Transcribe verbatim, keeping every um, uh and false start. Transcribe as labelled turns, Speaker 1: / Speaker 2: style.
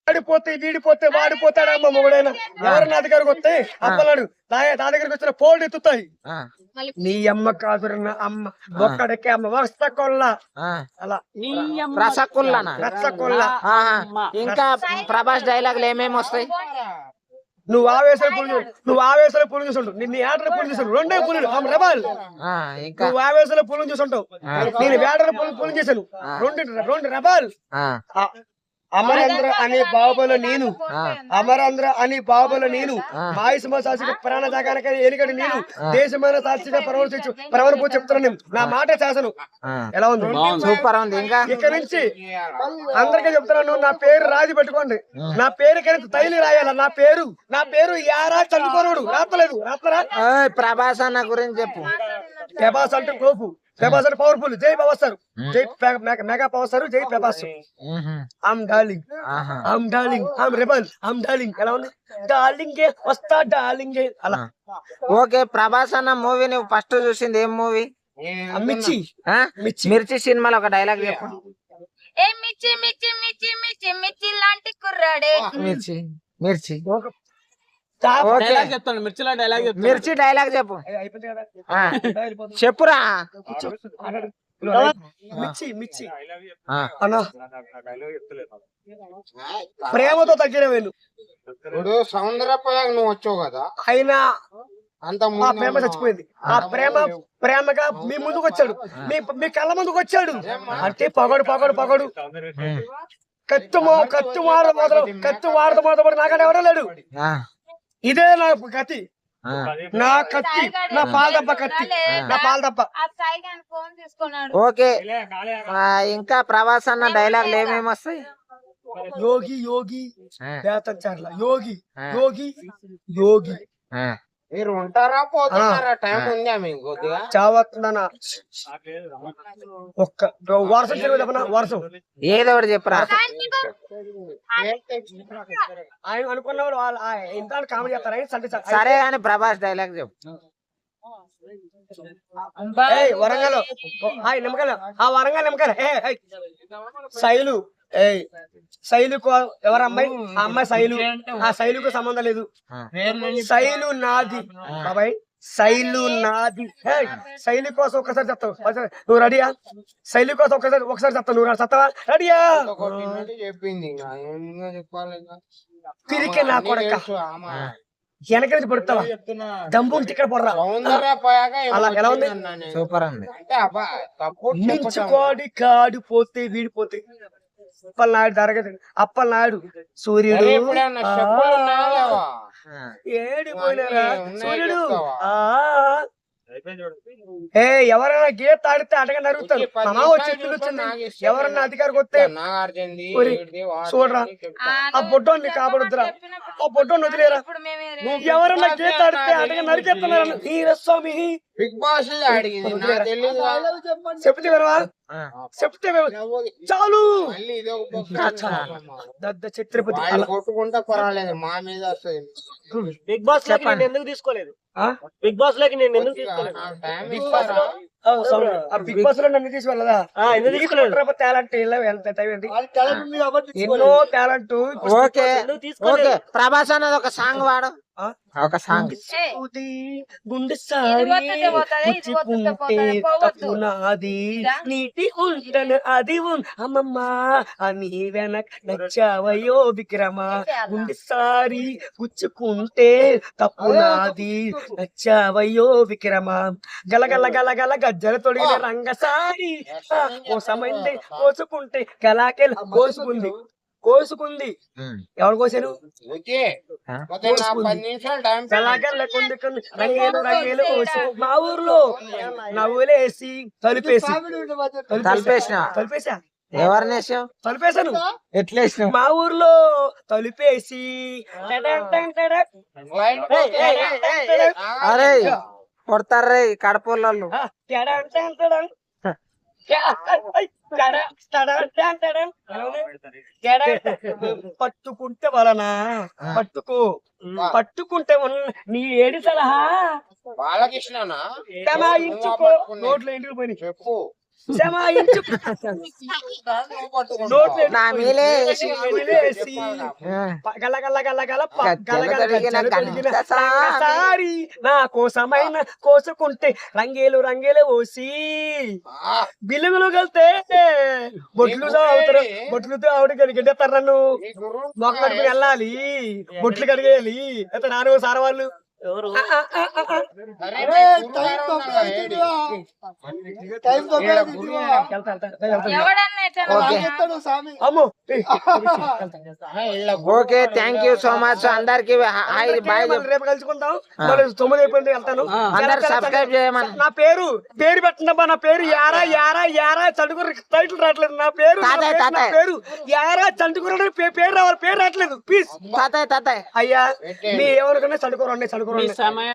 Speaker 1: వాడిపోతే వీడిపోతే వాడిపోతాడమ్మ మొగుడైనా ఎవరన్నా దగ్గరకు వస్తే అప్పలాడు నా దగ్గరికి వచ్చిన పోల్డ్ ఎత్తుతాయి. నీ అమ్మ కాదురన్న అమ్మ ఒక్కడికే అమ్మ వస్త కొల్ల అలా
Speaker 2: రసగుల్లా
Speaker 1: రసగుల్ల.
Speaker 2: ఇంకా ప్రభాస్ డైలాగులు ఏమేమి వస్తాయి?
Speaker 1: నువ్వు ఆవేశాలు పులి చూడు, నువ్వు ఆవేశాలు పులి చూసుంటావు, నిన్ను ఏటలు పులి చూసాడు, రెండే పులులు రెబల్. నువ్వు ఆవేశాలు పులి చూసుంటావు, నేను వేటల పులి పులి చేశాను, రెండు రెండు రెబల్. అమరేంద్ర అనే బాబుల నేను అమరేంద్ర అనే బాబుల నేను మాయసమ సాక్షిగా ప్రాణ జాగానిక ఎలుగడు నేను దేశమైన సాక్షిగా ప్రవర్తించు ప్రవర్పో చెప్తున్నాను నేను. నా మాట చేశాను. ఎలా ఉంది?
Speaker 2: సూపర్ ఉంది. ఇంకా
Speaker 1: ఇక్కడ నుంచి అందరికీ చెప్తున్నాను, నా పేరు రాజు పెట్టుకోండి. నా పేరు కనుక తైలి రాయాల. నా పేరు నా పేరు యారా చదువుకోనుడు రాస్తలేదు రాస్తారా?
Speaker 2: ప్రభాస్ అన్న గురించి చెప్పు.
Speaker 1: ప్రభాస్ అంటే కోపు, ప్రభాస్ అంటే పవర్ఫుల్. జై ప్రభాస్ సార్, జై మెగా పవర్ సార్, జై Prabhas. I'm darling, I'm darling, I'm rebel, I'm darling. ఎలా ఉంది? డార్లింగ్ వస్తా డార్లింగ్ అలా.
Speaker 2: ఓకే, ప్రభాస్ అన్న మూవీ నువ్వు ఫస్ట్ చూసింది ఏం మూవీ?
Speaker 1: మిర్చి.
Speaker 2: మిర్చి సినిమాలో ఒక డైలాగ్ చెప్పు.
Speaker 3: ఏ మిర్చి మిర్చి మిర్చి మిర్చి మిర్చి లాంటి కుర్రాడే.
Speaker 2: మిర్చి మిర్చి
Speaker 1: మిర్చి
Speaker 2: డైలాగ్ చెప్పు. చెప్పురా.
Speaker 1: మిర్చి మిర్చి అన్నా ప్రేమతో తగ్గిన వేలు.
Speaker 4: ఇప్పుడు సౌందర్యపోయాక నువ్వు వచ్చావు కదా,
Speaker 1: అయినా
Speaker 4: అంత
Speaker 1: ఆ ప్రేమ చచ్చిపోయింది. ఆ ప్రేమ ప్రేమగా మీ ముందుకు వచ్చాడు, మీ మీ కళ్ళ ముందుకు వచ్చాడు అంటే పగడు పగడు పగడు కత్తు కత్తు వాడద మొదలు కత్తు వాడద మొదలు నాకంటే ఎవడో లేడు. ఇదే నా కత్తి, నా కత్తి, నా పాలదప్ప కత్తి, నా పాలదప్ప.
Speaker 2: ఓకే, ఇంకా ప్రభాస్ అన్న డైలాగులు ఏమేమి వస్తాయి?
Speaker 1: యోగి యోగి బేతం చార్ల యోగి యోగి యోగి.
Speaker 4: మీరు ఉంటారా పోతున్నారా? టైం ఉందా మీకు కొద్దిగా?
Speaker 1: చావస్తుందన్నా ఒక్క వర్షం తెలియదు వర్షం
Speaker 2: ఏదో ఒకటి చెప్పరా.
Speaker 1: ఆయన అనుకున్నవాడు వాళ్ళు ఇంత కామెడీ చేస్తారా?
Speaker 2: సరే అని ప్రభాస్ డైలాగ్ చెప్పు.
Speaker 1: వరంగల్ నిమ్మకాయలు, ఆ వరంగల్ నిమ్మకాయలు. శైలు ఏ శైలు ఎవరమ్మాయి? ఆ అమ్మాయి శైలు. ఆ శైలుకు సంబంధం లేదు. శైలు నాది బాబాయ్, శైలు నాది. శైలి కోసం ఒక్కసారి చెప్తావు. నువ్వు రెడీయా? శైలి కోసం ఒక్కసారి ఒకసారి చెప్తావు. నువ్వు చెప్తావా? రెడీయా?
Speaker 4: చెప్పింది
Speaker 1: తిరిగి నా కొడక వెనక నుంచి పడుతావా? దమ్ము ఇక్కడ పడరా. అలా ఎలా ఉంది?
Speaker 2: సూపర్ ఉంది.
Speaker 1: మించుకోడి కాడు పోతే వీడిపోతే. అప్పలనాయుడు తరగతి అప్పలనాయుడు సూర్యుడు ఏడిపోయినారా సూర్యుడు. ఆ ఏ ఎవరైనా గీత ఆడితే అడగ నరుగుతారు. చెట్లు వచ్చింది. ఎవరన్నా అధికారికి వస్తే చూడరా ఆ బొడ్డోని కాపాడుతురా, ఆ బొడ్డోని వదిలేరా. ఎవరన్నా గీత ఆడితే అడగ నరికేస్తున్నారు. ఈ రస్వామి
Speaker 4: బిగ్ బాస్
Speaker 1: చెప్తే వినవా? చెప్తే చాలు. దద్ద ఛత్రపతి
Speaker 4: కొట్టుకుంటా పర్వాలేదు, మా మీద వస్తుంది.
Speaker 1: బిగ్ బాస్ లోకి నేను ఎందుకు తీసుకోలేదు? బిగ్ బాస్ లోకి నేను ఎందుకు తీసుకోలేదు? బిగ్ బాస్ లో బిగ్ బాస్ లో నన్ను తీసుకోలేదా? టాలెంట్ ఎన్నో టాలెంట్.
Speaker 2: ఓకే ఓకే, ప్రభాస్ అన్నది ఒక సాంగ్ వాడు. ఒక సాంగ్.
Speaker 1: గుండె సారీ నీటి ఉంటను అది అమ్మమ్మ అని వెనక నచ్చావయో విక్రమ. గుండె సారి గుచ్చుకుంటే తప్పు నాది నచ్చావయో విక్రమ. గలగల గలగల గజ్జల తొడిగిన రంగసారి కోసమైంది కోసుకుంటే గలాకెల కోసుకుంది కోసుకుంది. ఎవరు కోసాను? రంగేలు రంగేలు కోసి మా ఊర్లో నవ్వులేసి తలుపేసి
Speaker 2: తలుపేసిన
Speaker 1: తలుపేసా.
Speaker 2: ఎవరినేసావు?
Speaker 1: తలుపేశాను.
Speaker 2: ఎట్లేసినావు?
Speaker 1: మా ఊర్లో తలుపేసి
Speaker 2: అరే కొడతారే కడపళ్ళు.
Speaker 1: పట్టుకుంటే వలన పట్టుకో పట్టుకుంటే నీ ఏడి సలహా
Speaker 4: బాలకృష్ణ
Speaker 1: నోట్లో ఇంటికి పోయి
Speaker 4: చెప్పు.
Speaker 1: శమాయించు నోట్లో
Speaker 2: నా మీలే వేసి.
Speaker 1: వేసి
Speaker 2: ఆ,
Speaker 1: గల గల గల గల ప- గల గల
Speaker 2: గజ్జలు
Speaker 1: గజ్జలు
Speaker 2: తొడిగిన
Speaker 1: తొడిగిన
Speaker 2: సారి.
Speaker 1: సారి నా కోసమైన కోసుకుంటే రంగేలు రంగేలు ఓసి బిల్లులు కలితే బొట్లు అవుతారు బొట్లుతో ఆవిడ గడిగెడతారు నన్ను మొక్క కడుపుని వెళ్ళాలి బొట్లు కడిగేయాలి అయితే నాన్న సార్ వాళ్ళు
Speaker 5: ఎవరు
Speaker 1: ఆ, ఆ, ఆ, ఆ, ఆ. వెళ్తా, వెళ్తా, వెళ్తా.
Speaker 3: ఎవడన్నా ఎట్లా
Speaker 2: ఓకే.
Speaker 1: అమ్మో ఏ,
Speaker 2: okay thank you so much అందరికి హాయ్ బాయ్
Speaker 1: మళ్ళీ రేపు కలుసుకుందాం మళ్ళీ తొమ్మిది అయిపోయింది వెళ్తాను
Speaker 2: అందరు సబ్స్క్రైబ్ చేయమని.
Speaker 1: నా పేరు పేరు పెట్టండమ్మా నా పేరు యారా యారా యారా చండుకుర టైటిల్ రావట్లేదు నా పేరు నా
Speaker 2: తాతయ్య,
Speaker 1: పేరు, నా
Speaker 2: తాతయ్య.
Speaker 1: పేరు యారా చండుకుర పేరు రావాలి పేరు రావట్లేదు ప్లీజ్
Speaker 2: తాతయ్య తాతయ్య
Speaker 1: అయ్యా మీ ఏమనుకున్నా చండుకోరండి చండుకోరండి
Speaker 5: సమయం